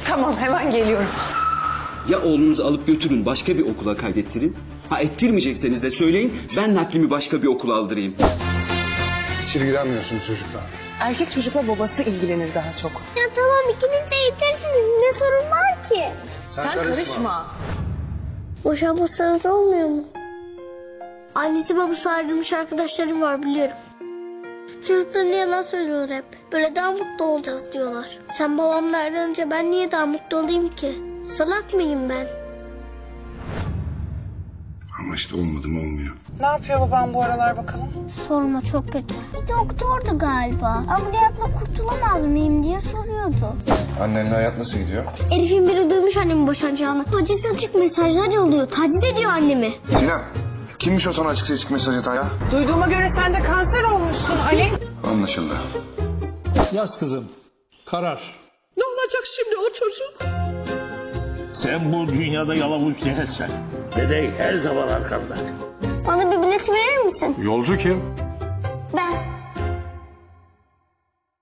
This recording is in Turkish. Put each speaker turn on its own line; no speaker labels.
Tamam, hemen geliyorum.
Ya oğlunuzu alıp götürün, başka bir okula kaydettirin. Ha, ettirmeyecekseniz de söyleyin, ben naklimi başka bir okula aldırayım.
Hiç ilgilenmiyorsunuz çocuklar.
Erkek çocukla babası ilgilenir daha çok.
Ya tamam, ikiniz de yetersiniz. Ne sorun var ki?
Sen karışma.
Boşanmasanız olmuyor mu? Annesi babası ayrılmış arkadaşlarım var, biliyorum. Çocuklarına yalan söylüyorlar hep. Böyle daha mutlu olacağız diyorlar. Sen babamla ayrılınca ben niye daha mutlu olayım ki? Salak mıyım ben?
Ama işte olmadı mı olmuyor.
Ne yapıyor babam bu aralar bakalım?
Sorma, çok kötü. Bir doktordu galiba. Ameliyatla kurtulamaz mıyım diye soruyordu.
Annenle hayat nasıl gidiyor?
Herifin biri duymuş annemin boşanacağını. Açık mesajlar yolluyor. Taciz ediyor annemi.
Sinan, kimmiş o sana açık seçik mesaj atan ya?
Duyduğuma göre sen de kanser olmuşsun Ali.
Anlaşıldı.
Yaz kızım. Karar.
Ne olacak şimdi o çocuk?
Sen bu dünyada yalavuç değilsen. Dede her zaman arkanda.
Bana bir bilet verir misin?
Yolcu kim?